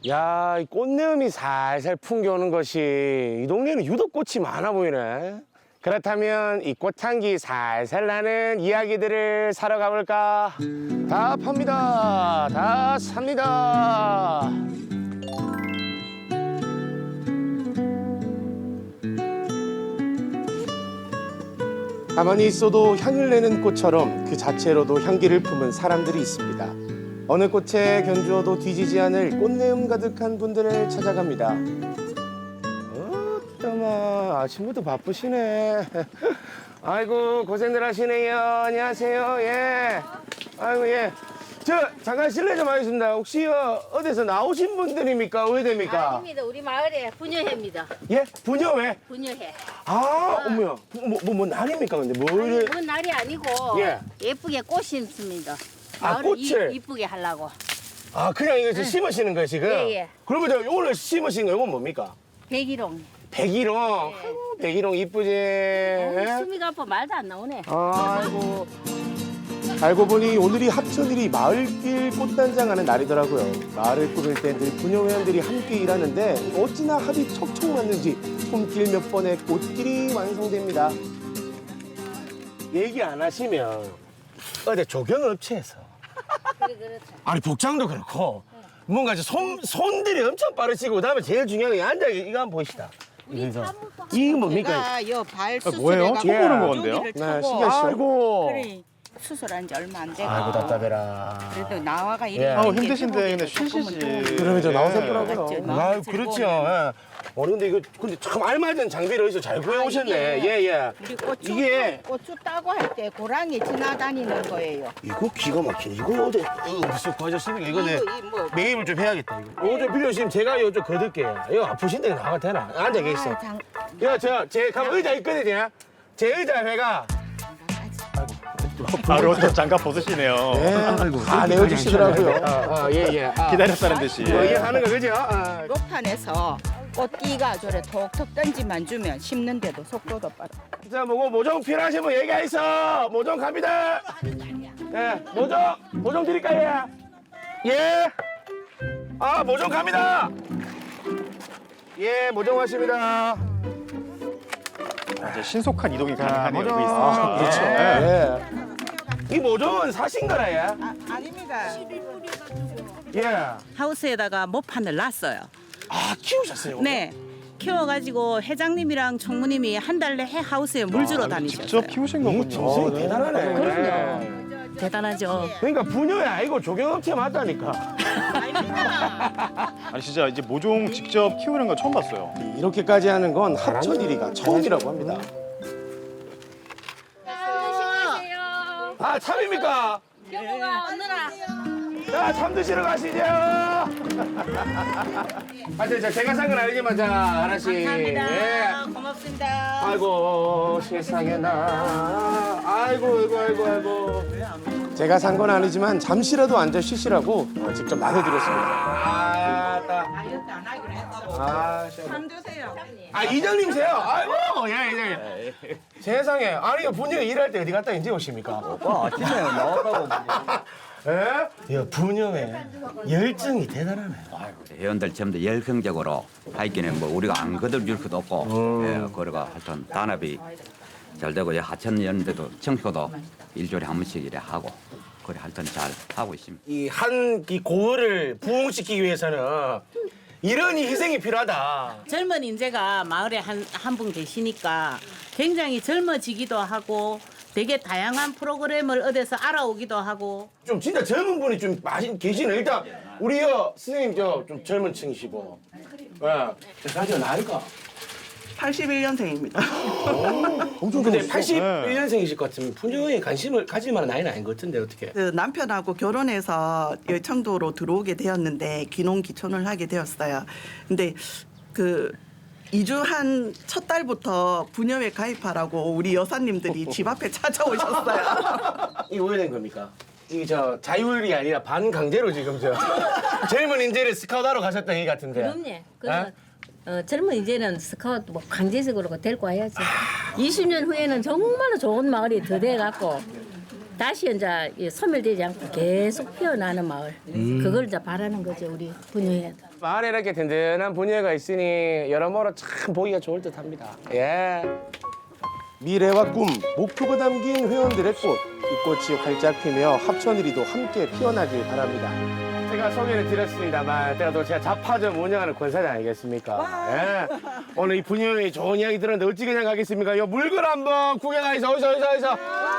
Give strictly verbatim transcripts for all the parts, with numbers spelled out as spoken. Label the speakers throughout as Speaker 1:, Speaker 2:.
Speaker 1: 야, 이 꽃내음이 살살 풍겨오는 것이 이 동네는 유독 꽃이 많아 보이네. 그렇다면 이 꽃향기 살살 나는 이야기들을 사러 가볼까? 다 팝니다. 다 삽니다. 가만히 있어도 향을 내는 꽃처럼 그 자체로도 향기를 품은 사람들이 있습니다. 어느 꽃에 견주어도 뒤지지 않을 꽃내음 가득한 분들을 찾아갑니다. 어따마 아침부터 바쁘시네. 아이고 고생들 하시네요. 안녕하세요. 예. 아이고 예. 저 잠깐 실례 좀 하겠습니다. 혹시 어, 어디서 나오신 분들입니까? 의대입니까?
Speaker 2: 아닙니다. 우리 마을에 분녀회입니다.
Speaker 1: 예? 분녀회?
Speaker 2: 분녀회.
Speaker 1: 아, 어머야. 뭐, 뭐, 뭐 날입니까? 근데 뭐
Speaker 2: 아니,
Speaker 1: 이래?
Speaker 2: 먼 날이 아니고
Speaker 1: 예.
Speaker 2: 예쁘게 꽃 심습니다.
Speaker 1: 아,
Speaker 2: 마을을
Speaker 1: 꽃을?
Speaker 2: 이, 이쁘게 하려고.
Speaker 1: 아, 그냥 이거 지금 심으시는 거예요, 지금?
Speaker 2: 예, 예.
Speaker 1: 그러면 저 오늘 심으신 거 이건 뭡니까?
Speaker 2: 백일홍.
Speaker 1: 백일홍.
Speaker 2: 네.
Speaker 1: 아이고, 백일홍 이쁘지?
Speaker 2: 어, 숨이가 아파 말도 안 나오네.
Speaker 1: 아이고. 알고 보니 오늘이 합천일이 마을길 꽃단장하는 날이더라고요. 마을을 꾸밀 때 늘 분녀회원들이 함께 일하는데 어찌나 합이 척척 맞는지 손길 몇 번에 꽃길이 완성됩니다. 얘기 안 하시면 어디 조경업체에서
Speaker 2: 그래, 그렇죠.
Speaker 1: 아니 복장도 그렇고 뭔가 이제 손, 손들이 엄청 빠르시고 그다음에 제일 중요한 게 앉아 이거 한번 보시다. 그래서 이거 뭡니까?
Speaker 3: 제가 요발
Speaker 4: 아, 뭐예요?
Speaker 3: 수술해가지고
Speaker 1: 처음 보는
Speaker 4: 건데요?
Speaker 3: 여기를
Speaker 1: 네,
Speaker 3: 차고
Speaker 1: 신기하시죠? 아이고.
Speaker 3: 그래 수술한 지 얼마 안 되고
Speaker 1: 아이고 답답해라.
Speaker 3: 그래도 나와가
Speaker 1: 예.
Speaker 3: 이래
Speaker 1: 아우,
Speaker 4: 힘드신데 근데 쉬시지.
Speaker 1: 그러면 저
Speaker 4: 예.
Speaker 1: 나오셨더라고요.
Speaker 3: 맞죠,
Speaker 1: 아,
Speaker 3: 마음이
Speaker 1: 그렇죠.
Speaker 3: 즐거우면.
Speaker 1: 예. 어, 근데 이거 근데 참 알맞은 장비를 어디서 잘 구해 오셨네.
Speaker 3: 이게-
Speaker 1: 예, 예.
Speaker 3: 우리 고추
Speaker 1: 이게-
Speaker 3: 고추 따고 할 때 고랑이 지나다니는 거예요.
Speaker 1: 이거 기가 막히네. 이거 어디 어, 무슨 과자습니까? 이거 내
Speaker 3: 이거 이 뭐
Speaker 1: 매입을 좀 해야겠다. 이거 이거 좀 빌려주시면 제가 이거 좀 거둘게요. 이거 아프신데 나가 되나? 앉아 계시어.
Speaker 3: 아, 장,
Speaker 1: 이거 저제 가면 의자 있거든요. 제 의자 회가
Speaker 4: 바로 또 장갑 벗으시네요.
Speaker 1: 다 내어주시더라고요. 아, 아, 예, 예. 아.
Speaker 4: 기다렸다는 듯이.
Speaker 1: 뭐 이게 하는 거 그죠? 아.
Speaker 3: 로판에서 꽃띠가 저래 톡톡 던지만 주면 심는데도 속도도 빠르.
Speaker 1: 자, 뭐 모종 필요하신 분 얘기하이소. 모종 갑니다. 예, 모종 모종 드릴까요? 예. 아, 모종 갑니다. 예, 모종 왔습니다.
Speaker 4: 이제 신속한 이동이
Speaker 1: 자,
Speaker 4: 가능하네요.
Speaker 1: 모종.
Speaker 4: 여기 있으면.
Speaker 1: 아, 그렇죠.
Speaker 4: 예.
Speaker 1: 예. 이 모종은 사신 거라요?
Speaker 3: 아, 아닙니다.
Speaker 1: 예.
Speaker 5: 하우스에다가 모판을 놨어요.
Speaker 1: 아, 키우셨어요?
Speaker 5: 네. 키워가지고 회장님이랑 총무님이 한 달 내에 하우스에 물 주러 다니셨어요.
Speaker 4: 직접 키우신
Speaker 1: 이
Speaker 4: 거군요.
Speaker 1: 정성이
Speaker 4: 네.
Speaker 1: 대단하네.
Speaker 5: 그럼요. 대단하죠.
Speaker 1: 그러니까 분녀야 아니고 조경업체 맞다니까.
Speaker 4: 아니 진짜 이제 모종 직접 키우는 거 처음 봤어요.
Speaker 1: 이렇게까지 하는 건 합천일이가 처음이라고 합니다.
Speaker 2: 안녕하세요.
Speaker 1: 아, 참입니까?
Speaker 2: 여보가 언느라.
Speaker 1: 자, 참 드시러 가시죠. 아, 저, 저 제가 산 건 아니지만 자 하나씩. 예.
Speaker 3: 고맙습니다.
Speaker 1: 아이고 세상에 나. 아이고 아이고 아이고 아이고. 제가 산 건 아니지만 잠시라도 앉아 쉬시라고 직접 나눠드렸습니다. 아, 따.
Speaker 3: 다이어트 안 하기로 했다고.
Speaker 1: 아,
Speaker 3: 참 드세요.
Speaker 1: 아 이장님세요? 아이고 예 이장님. 세상에 아니 분녀 일할 때 어디 갔다 이제 오십니까?
Speaker 6: 오빠 아침에 나왔다고.
Speaker 1: 예? 야 분녀의 열정이 대단하네.
Speaker 6: 회원들 전부 다 열성적으로 하기는 뭐 우리가 안 거들줄 것도 없고, 예, 그래가 하여튼 단합이 잘 되고 예, 하천 연대도 청소도 일주일에 한 번씩 이래 하고 그래 하여튼 잘 하고 있습니다.
Speaker 1: 이 한 이 고을을 부흥시키기 위해서는 이런 희생이 필요하다.
Speaker 5: 젊은 인재가 마을에 한 한 분 계시니까 굉장히 젊어지기도 하고 되게 다양한 프로그램을 어디서 알아오기도 하고
Speaker 1: 좀 진짜 젊은 분이 좀 많이 계시네. 일단 우리 여 선생님 저 좀 젊은 층이시고. 예. 사실 나이가
Speaker 7: 팔십일 년생입니다.
Speaker 1: 엄청 근데 팔십일
Speaker 4: 네.
Speaker 1: 년생이실 것 같으면 분녀에 관심을 가질 만한 나이는 아닌 것 같은데 어떻게?
Speaker 7: 그 남편하고 결혼해서 여청도로 들어오게 되었는데 귀농 귀촌을 하게 되었어요. 근데 그 이주한 첫 달부터 분녀회 가입하라고 우리 여사님들이 집 앞에 찾아오셨어요.
Speaker 1: 이게 왜 된 겁니까? 이게 저 자율이 아니라 반강제로 지금 저 젊은 인재를 스카우트하러 가셨던 얘기 같은데.
Speaker 2: 그럼요. 그래서 어, 젊은 이제는 스카우트 뭐 강제적으로 데리고 와야지. 이십 년 후에는 정말로 좋은 마을이 더 돼갖고 다시 이제 이 소멸되지 않고 계속 피어나는 마을. 그걸 이제 바라는 거죠 우리 분녀회도.
Speaker 1: 마을에 이렇게 든든한 분야가 있으니 여러모로 참 보기가 좋을 듯합니다. 예. 미래와 꿈, 목표가 담긴 회원들의 꽃. 이 꽃이 활짝 피며 합천이리도 함께 피어나길 바랍니다. 제가 소개를 드렸습니다만 제가 또 제가 잡화점 운영하는 권사장 아니겠습니까? 예. 오늘 이 분야에 좋은 이야기 들었는데 어찌 그냥 가겠습니까? 요 물건 한번 구경하이소. 어디서 어디서 어디서.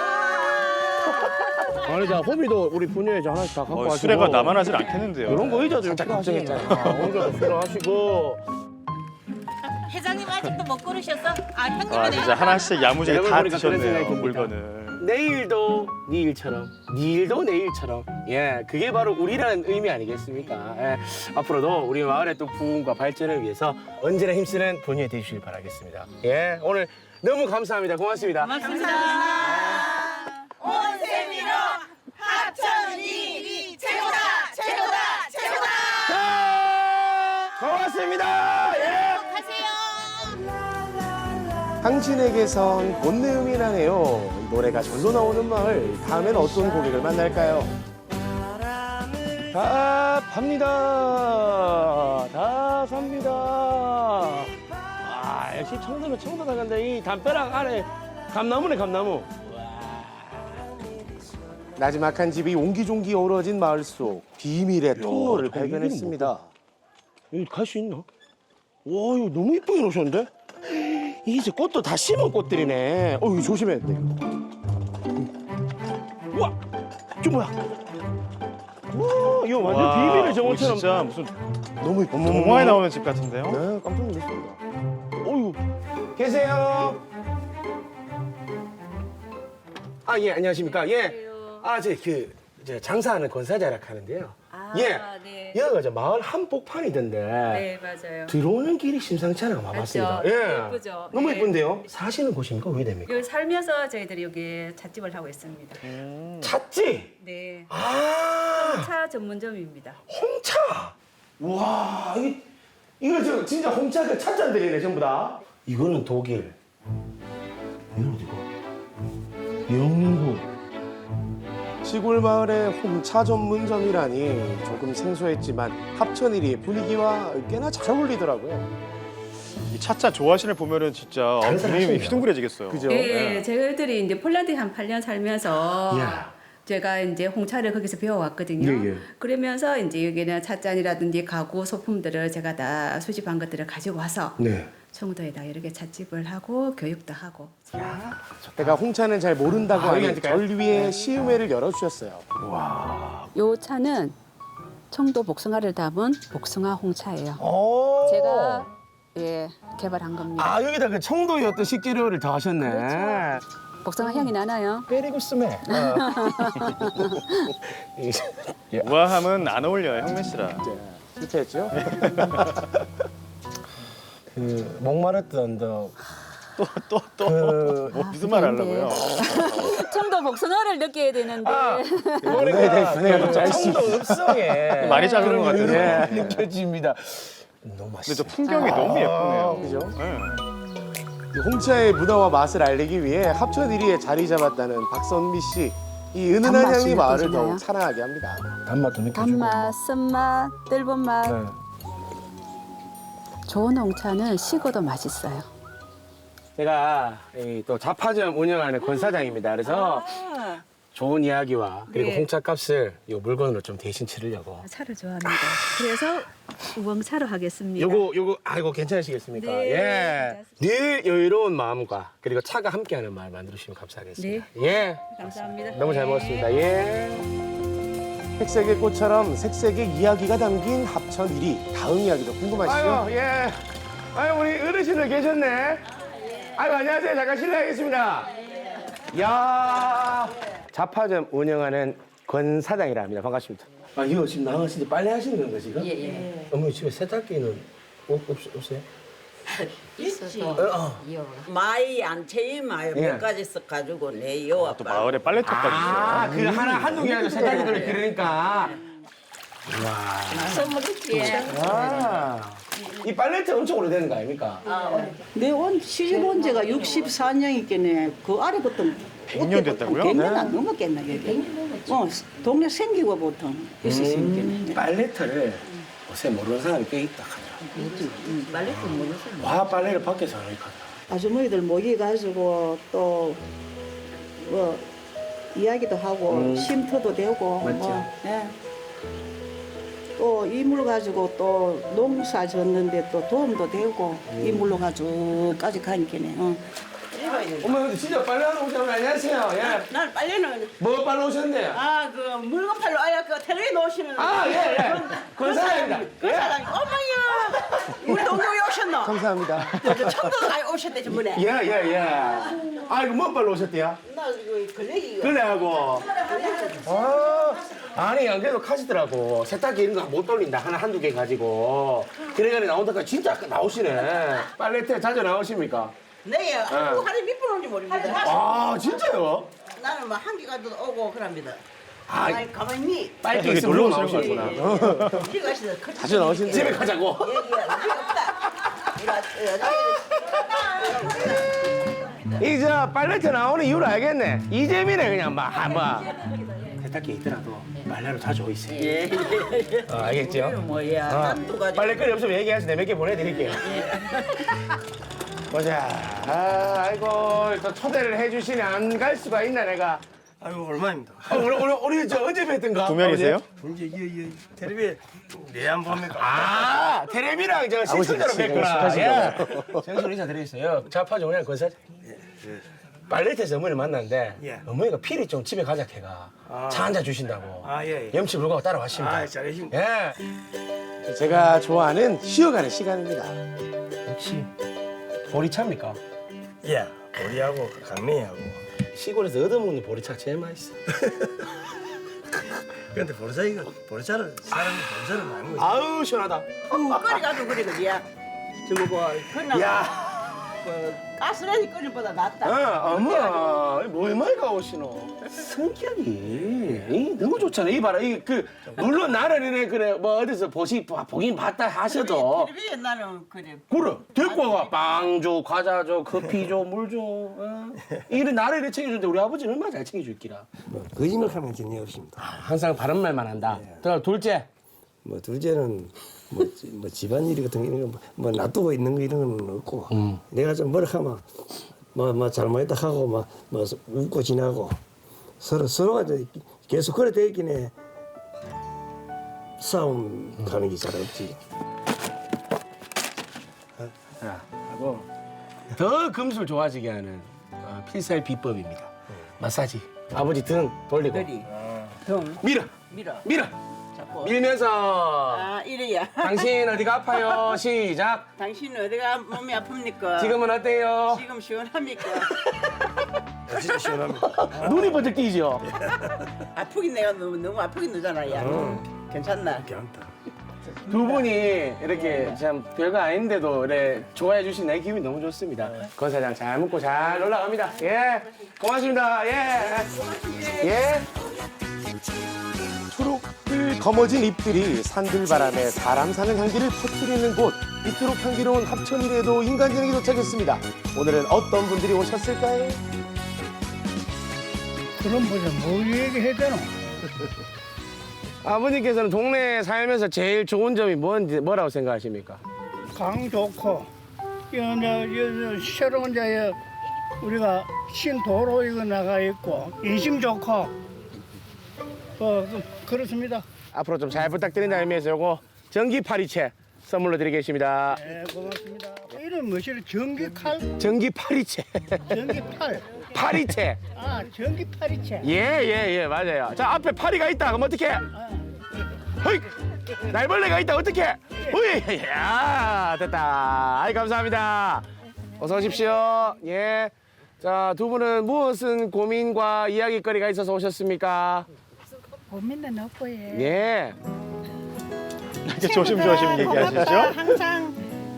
Speaker 1: 아니 자 호미도 우리 분야에 저 하나씩 다 갖고
Speaker 4: 어,
Speaker 1: 와시고.
Speaker 4: 수레가 나만 하질 않겠는데요.
Speaker 1: 이런 거 의자도 살짝 걱정했잖아요. 의자도 필요하시고.
Speaker 5: 회장님 아직도 못 고르셨어? 아 형님은
Speaker 4: 아 진짜 하나씩 야무지게
Speaker 1: 여러분
Speaker 4: 다
Speaker 1: 보니까 그런 생각이
Speaker 4: 드셨네요
Speaker 1: 듭니다.
Speaker 4: 물건을.
Speaker 1: 내일도 내일처럼, 내일도 내일처럼. 예, 그게 바로 우리라는 의미 아니겠습니까? 예, 앞으로도 우리 마을의 또 부흥과 발전을 위해서 언제나 힘쓰는 분이 되시길 바라겠습니다. 예, 오늘 너무 감사합니다. 고맙습니다.
Speaker 5: 고맙습니다.
Speaker 1: 고맙습니다. 예. 당신에게선 본내음이 나네요. 노래가 절로 나오는 마을. 다음엔 어떤 고객을 만날까요? 다 팝니다. 다 삽니다. 아, 역시 청도는 청도다. 근데 이 담벼락 아래 감나무네, 감나무. 나지막한 집이 옹기종기 어우러진 마을 속 비밀의 통로를 발견했습니다. 여기 갈 수 있나? 와, 이거 너무 이쁘게 놓으셨는데? 이게 이제 꽃도 다 심은 꽃들이네. 어, 이거 조심해야 돼. 우와, 저 뭐야? 우와, 이거 완전
Speaker 4: 와,
Speaker 1: 비밀의
Speaker 4: 이거
Speaker 1: 정원처럼.
Speaker 4: 진짜 무슨
Speaker 1: 너무 이뻐.
Speaker 4: 동화에 나오는 집 같은데요?
Speaker 1: 네, 깜짝 놀랐습니다. 어유, 계세요? 아, 예, 안녕하십니까? 예. 아, 저 그, 저 장사하는 권사자라 하는데요.
Speaker 8: 아,
Speaker 1: 예.
Speaker 8: 네.
Speaker 1: 여기가 저 마을 한복판이던데.
Speaker 8: 네, 맞아요.
Speaker 1: 들어오는 길이 심상치 않아 와봤습니다.
Speaker 8: 맞죠?
Speaker 1: 예.
Speaker 8: 예쁘죠?
Speaker 1: 너무
Speaker 8: 네.
Speaker 1: 예쁜데요? 사시는 곳입니까? 왜 됩니까?
Speaker 8: 여기 살면서 저희들이 여기 잣집을 하고 있습니다.
Speaker 1: 찻집.
Speaker 8: 네.
Speaker 1: 아,
Speaker 8: 차 전문점입니다.
Speaker 1: 홍차. 와, 이 이거 저 진짜 홍차 그 찻잔들이네 전부 다. 이거는 독일. 이건 어디고? 영국. 시골 마을의 홍차 전문점이라니 조금 생소했지만 합천이리의 분위기와 꽤나 잘 어울리더라고요.
Speaker 4: 이 차차 좋아하시는 보면은 진짜
Speaker 1: 다른
Speaker 4: 어,
Speaker 1: 사람
Speaker 4: 분위기
Speaker 1: 하시네요.
Speaker 4: 휘둥그레지겠어요.
Speaker 1: 그죠?
Speaker 8: 네, 저희들이 이제 폴란드에 한 팔 년 살면서
Speaker 1: 이야.
Speaker 8: 제가 이제 홍차를 거기서 배워왔거든요.
Speaker 1: 예, 예.
Speaker 8: 그러면서 이제 여기는 찻잔이라든지 가구 소품들을 제가 다 수집한 것들을 가지고 와서
Speaker 1: 네.
Speaker 8: 청도에다 여러 개 찻집을 하고 교육도 하고.
Speaker 1: 내가 홍차는 잘 모른다고
Speaker 8: 아,
Speaker 1: 하니
Speaker 8: 여기
Speaker 1: 절 위에 시음회를 열어주셨어요.
Speaker 8: 요 차는 청도 복숭아를 담은 복숭아 홍차예요.
Speaker 1: 오.
Speaker 8: 제가 예 개발한 겁니다.
Speaker 1: 아, 여기다 그 청도의 어떤 식재료를 더 하셨네.
Speaker 8: 그렇죠. 복숭아 향이 나나요?
Speaker 1: 베리고 스멜.
Speaker 4: 우아함은 안 어울려요 형민 씨랑.
Speaker 1: 실패했죠? 그 목마르던 더
Speaker 4: 또또또
Speaker 1: 그
Speaker 4: 뭐 무슨 말 하려고요?
Speaker 8: 청도 복숭아를 느껴야 되는데.
Speaker 1: 아, 머리가 그 청도 읍성에
Speaker 4: 많이 자른 것
Speaker 1: 그런
Speaker 4: 같아요.
Speaker 1: 게 느껴집니다. 너무
Speaker 4: 근데
Speaker 1: 맛있어.
Speaker 4: 저 풍경이 너무 예쁘네요.
Speaker 1: 그죠?
Speaker 4: 네.
Speaker 1: 홍차의 문화와 맛을 알리기 위해 합천 일 위에 자리 잡았다는 박선미 씨. 이 은은한
Speaker 8: 단맛이
Speaker 1: 향이 마을을
Speaker 8: 느껴지나요?
Speaker 1: 더욱 사랑하게 합니다. 단맛도 느껴지고.
Speaker 8: 단맛, 쓴맛, 뜰본 맛.
Speaker 1: 네.
Speaker 8: 좋은 홍차는 식어도 맛있어요.
Speaker 1: 제가 이 또 잡화점 운영하는 권사장입니다. 그래서 좋은 이야기와 그리고
Speaker 8: 네.
Speaker 1: 홍차 값을 이 물건으로 좀 대신 치르려고.
Speaker 8: 차를 좋아합니다. 그래서 우엉차로 하겠습니다.
Speaker 1: 요거 요거 아이고 괜찮으시겠습니까?
Speaker 8: 네,
Speaker 1: 예. 늘 여유로운 마음과 그리고 차가 함께하는 마을 만들어주시면 감사하겠습니다. 예.
Speaker 8: 감사합니다.
Speaker 1: 너무 잘 먹었습니다. 예. 색색의 꽃처럼 색색의 이야기가 담긴 합천 일 위. 다음 이야기도 궁금하시죠? 아유, 예. 아유, 우리 어르신들 계셨네. 아유, 안녕하세요. 잠깐 실례하겠습니다. 야 잡화점 운영하는 권 사장이라 합니다. 반갑습니다. 아, 이거 지금 나가시는데 빨래 하시는 건가, 지금? 예, 예. 어머니 집에 세탁기는 없, 없, 없어요?
Speaker 9: 있지.
Speaker 1: 어, 어.
Speaker 9: 마이 안채이 마이
Speaker 1: 예.
Speaker 9: 몇 가지 써 가지고 내요
Speaker 4: 또
Speaker 9: 아빠.
Speaker 4: 마을에 빨래터까지 있어요.
Speaker 1: 아, 그 하나, 한두 개 아니라 세탁기들을 기르니까.
Speaker 2: 선물했지.
Speaker 1: 아, 이 빨래터 엄청 오래되는 거 아닙니까?
Speaker 10: 내 온 시집 온 지가 육십사 년이겠네. 그 아래부터
Speaker 4: 백 년 됐다고요?
Speaker 10: 백 년
Speaker 1: 네.
Speaker 10: 안 넘었겠나 여기. 어, 동네 생기고 보통 있었으니까.
Speaker 1: 음, 빨래터를 요새 모르는 사람이 꽤 있다 하더라. 빨래도 모르는 사람. 와 빨래를 밖에서 하니까.
Speaker 10: 아주머니들 모여가지고 또 뭐 이야기도 하고
Speaker 1: 음.
Speaker 10: 쉼터도 되고
Speaker 1: 맞죠.
Speaker 10: 뭐, 예. 또 이물 가지고 또 농사 졌는데 또 도움도 되고
Speaker 1: 음.
Speaker 10: 이물로 가지고까지 가니까네. 어.
Speaker 1: 어머 근데 진짜 빨래하러 오셨나요? 안녕하세요. 예.
Speaker 3: 난 빨래는
Speaker 1: 뭐 빨래 오셨는데요?
Speaker 3: 아 그 물건 팔러 아야 그 텔레비 놓으시는
Speaker 1: 아 예 예. 그 사람입니다.
Speaker 3: 그
Speaker 1: 예.
Speaker 3: 사람이 어머야 우리 동료에 오셨노?
Speaker 1: 감사합니다.
Speaker 3: 저 청도가 오셨대 저번에.
Speaker 1: 예예 예. 아 이거 뭐 빨래 오셨대요?
Speaker 3: 나 이거 걸레기
Speaker 1: 그래 하고. 아 아니 안 그래도 카시더라고. 세탁기 이런 거 못 돌린다 하나 한두 개 가지고. 그래가지고 나온다니까 진짜 나오시네. 빨래터 자주 나오십니까?
Speaker 3: 네, 한국 하루에 몇 번 오는지 모릅니다.
Speaker 1: 아 진짜요?
Speaker 3: 나는 뭐 한 개가 오고 그럽니다.
Speaker 1: 아,
Speaker 3: 아이 가만히
Speaker 1: 빨리
Speaker 4: 여기
Speaker 1: 있으면
Speaker 4: 놀러
Speaker 1: 놀러
Speaker 4: 오시는
Speaker 1: 나오시구나.
Speaker 3: 우리 가시다
Speaker 1: 자주 나오시는데 집에 가자고.
Speaker 3: 예, 예, 우리 없다. 우리
Speaker 1: 이 저 빨래터 나오는 이유를 알겠네. 이재민에 그냥 막 한번 세탁기 있더라도 빨래로 자주 오이세요.
Speaker 3: 예, 예.
Speaker 1: 어, 알겠죠?
Speaker 3: 뭐야?
Speaker 1: 어,
Speaker 3: 한두 가지.
Speaker 1: 빨래거리 없으면 얘기하세요. 내가 몇 개 보내드릴게요. 보자. 아, 아이고 또 초대를 해주시네. 안 갈 수가 있나 내가.
Speaker 11: 아이고 얼마입니다.
Speaker 1: 어, 우리 우리 우리 저 언제 뵀던가?
Speaker 4: 구면이세요?
Speaker 11: 이제 이, 이 텔레비 내안 봅니까?
Speaker 1: 아 테레비랑 저 시청자로 뵀구나. 예. 생선 인사 드리겠어요. 자파죠 그냥 건설. 빨래터에서 어머니를 만났는데
Speaker 11: 예.
Speaker 1: 어머니가 필히 좀 집에 가자 걔가
Speaker 11: 아.
Speaker 1: 차 한 잔 주신다고.
Speaker 11: 아, 예, 예.
Speaker 1: 염치 불구하고 따라왔습니다.
Speaker 11: 아, 잘하십니다.
Speaker 1: 예. 제가 좋아하는 쉬어가는 시간입니다. 역시 보리차입니까?
Speaker 11: 예, 우리하고 강냉이하고.
Speaker 1: 시골에서 얻어먹는 보리차 제일 맛있어.
Speaker 11: 근데 보리차이가 보리차를 사람이 보리차를 많이 먹어.
Speaker 1: 아우 시원하다.
Speaker 3: 끓이 가도 그래 그지야. 저거 뭐 그나
Speaker 1: 야,
Speaker 3: 그 가스레인지 끓이보다 낫다.
Speaker 1: 어, 어머, 뭐 얼마나 오시노? 성격이 이, 너무 좋잖아. 이 봐라, 이 그 물론 나는 이래 그래 뭐 어디서 보시 보긴 봤다 하셔도.
Speaker 3: 텔레비에 나는 그래.
Speaker 1: 그래 데리고 와가 빵 줘, 과자 줘, 커피 줘, 물 줘. 어? 이래 나를 이래 챙겨주는데 우리 아버지는 얼마나 잘 챙겨줄기라.
Speaker 11: 뭐 거짓말하는 전혀 없습니다.
Speaker 1: 항상 바른 말만 한다. 또 둘째.
Speaker 11: 뭐 둘째는 뭐, 뭐 집안일 같은 거 이런 거 뭐 놔두고 있는 거 이런 건 없고
Speaker 1: 음.
Speaker 11: 내가 좀 뭐라 하면 뭐, 뭐 잘못했다 하고 막 뭐 웃고 지나고 서로 서로가 이제 계속 그래 돼 있긴 해. 싸움 가는 게 잘 없지.
Speaker 1: 자, 하고 더 금술 좋아지게 하는 어, 필살 비법입니다. 마사지. 아버지 등 돌리고
Speaker 3: 그리. 등
Speaker 1: 밀어,
Speaker 3: 밀어.
Speaker 1: 밀어.
Speaker 3: 잡고.
Speaker 1: 밀면서
Speaker 3: 아 이래야.
Speaker 1: 당신 어디가 아파요? 시작.
Speaker 3: 당신은 어디가 몸이 아픕니까?
Speaker 1: 지금은 어때요?
Speaker 3: 지금 시원합니까?
Speaker 11: 진짜 시원합니다.
Speaker 1: 눈이 번쩍 띄죠?
Speaker 3: 아프긴 내가 너무 너무 아프긴 너잖아 야. 괜찮나?
Speaker 11: 괜찮다.
Speaker 1: 두 분이 이렇게 참 별거 아닌데도 이래 좋아해 주신 내 기분이 너무 좋습니다. 권 사장 잘 먹고 잘 올라갑니다. 예, 고맙습니다. 예, 예. 초록빛 검어진 잎들이 산들바람에 사람 사는 향기를 퍼뜨리는 곳. 이토록 향기로운 합천일에도 인간전역이 도착했습니다. 오늘은 어떤 분들이 오셨을까요?
Speaker 10: 그럼 뭐뭐 얘기해야 되노?
Speaker 1: 아버님께서는 동네에 살면서 제일 좋은 점이 뭔지 뭐라고 생각하십니까?
Speaker 10: 강 좋고 이제 새로운 자에 우리가 신도로 이거 나가 있고 인심 좋고 어 그- 그렇습니다.
Speaker 1: 앞으로 좀 잘 부탁드린다는 의미에서 요거 전기 파리채 선물로 드리겠습니다.
Speaker 10: 네 고맙습니다. 이름 뭐시래? 전기 칼,
Speaker 1: 전기 파리채.
Speaker 10: 전기 팔.
Speaker 1: 파리채.
Speaker 10: 아 전기 팔이채.
Speaker 1: 예예예 예, 맞아요. 자 앞에 파리가 있다. 그럼 어떻게? 허이 날벌레가 있다. 어떻게? 허이 야 됐다. 아이 감사합니다. 어서 오십시오. 예. 자 두 분은 무엇은 고민과 이야기거리가 있어서 오셨습니까?
Speaker 10: 고민은 없고 예.
Speaker 1: 예.
Speaker 4: 이렇게 조심조심 얘기하시죠?
Speaker 10: 항상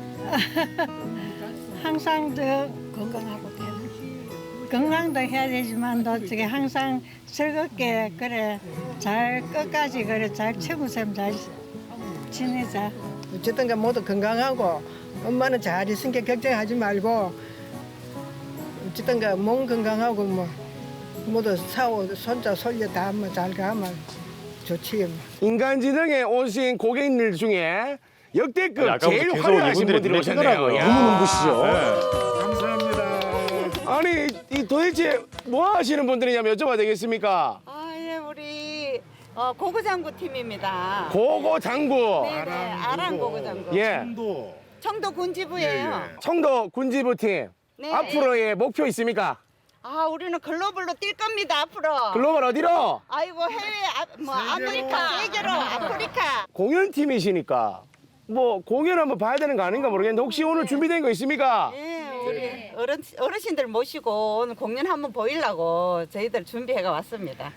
Speaker 10: 항상 저 건강하고 건강도 해야 되지만 또 어떻게 항상 즐겁게 그래 잘 끝까지 그래 잘 최고쌤 잘 지내자.
Speaker 12: 어쨌든 간 모두 건강하고 엄마는 잘 있으니까 걱정하지 말고 어쨌든 간 몸 건강하고 뭐 모두 사오 손자 손녀 다 뭐 잘 가면 좋지.
Speaker 1: 인간지능에 오신 고객님들 중에 역대급
Speaker 4: 아니, 아까부터
Speaker 1: 제일
Speaker 4: 계속
Speaker 1: 화려하신
Speaker 4: 이분들이
Speaker 1: 분들이 오셨네요.
Speaker 4: 눈에
Speaker 1: 야.
Speaker 4: 띄더라고요.
Speaker 1: 눈부시죠?
Speaker 4: 네.
Speaker 1: 감사합니다. 아니 이 도대체 뭐 하시는 분들이냐면 여쭤봐도 되겠습니까?
Speaker 3: 아, 예, 우리 어, 고구장구 팀입니다.
Speaker 1: 고고 장구.
Speaker 3: 네네, 아랑 고구장구.
Speaker 1: 예.
Speaker 3: 청도 군지부예요.
Speaker 1: 청도 군지부 팀.
Speaker 3: 네.
Speaker 1: 앞으로의 목표 있습니까?
Speaker 3: 아, 우리는 글로벌로 뛸 겁니다, 앞으로.
Speaker 1: 글로벌 어디로?
Speaker 3: 아이고, 해외, 아, 뭐, 아메리카, 세계로, 아프리카.
Speaker 1: 공연팀이시니까 뭐 공연 한번 봐야 되는 거 아닌가 모르겠는데 혹시 오늘 준비된 거 있습니까?
Speaker 3: 예, 우리 어른, 어르신들 모시고 오늘 공연 한번 보이려고 저희들 준비해가 왔습니다.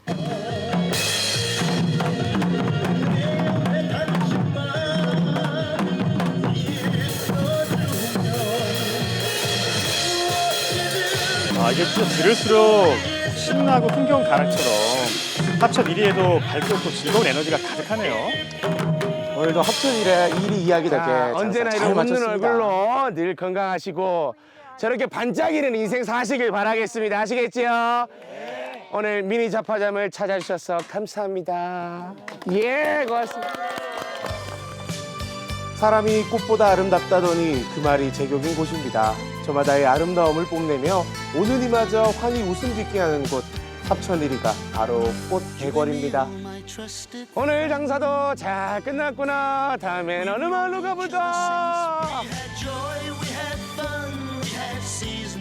Speaker 4: 아 이게 진짜 들을수록 신나고 풍경 가락처럼 합천 일 위에도 밝고 즐거운 에너지가 가득하네요.
Speaker 1: 오늘도 합천일에 일이 이야기답게
Speaker 4: 자,
Speaker 1: 언제나
Speaker 4: 잘
Speaker 1: 이런 웃는
Speaker 4: 마쳤습니다.
Speaker 1: 얼굴로 늘 건강하시고 저렇게 반짝이는 인생 사시길 바라겠습니다. 아시겠지요? 오늘 미니 잡화점을 찾아주셔서 감사합니다. 예, 고맙습니다. 사람이 꽃보다 아름답다더니 그 말이 제격인 곳입니다. 저마다의 아름다움을 뽐내며 오는 이마저 환히 웃음 짓게 하는 곳 합천 일 위가 바로 꽃 대궐입니다. 오늘 장사도 잘 끝났구나. 다음엔 어느 마을로 가볼까?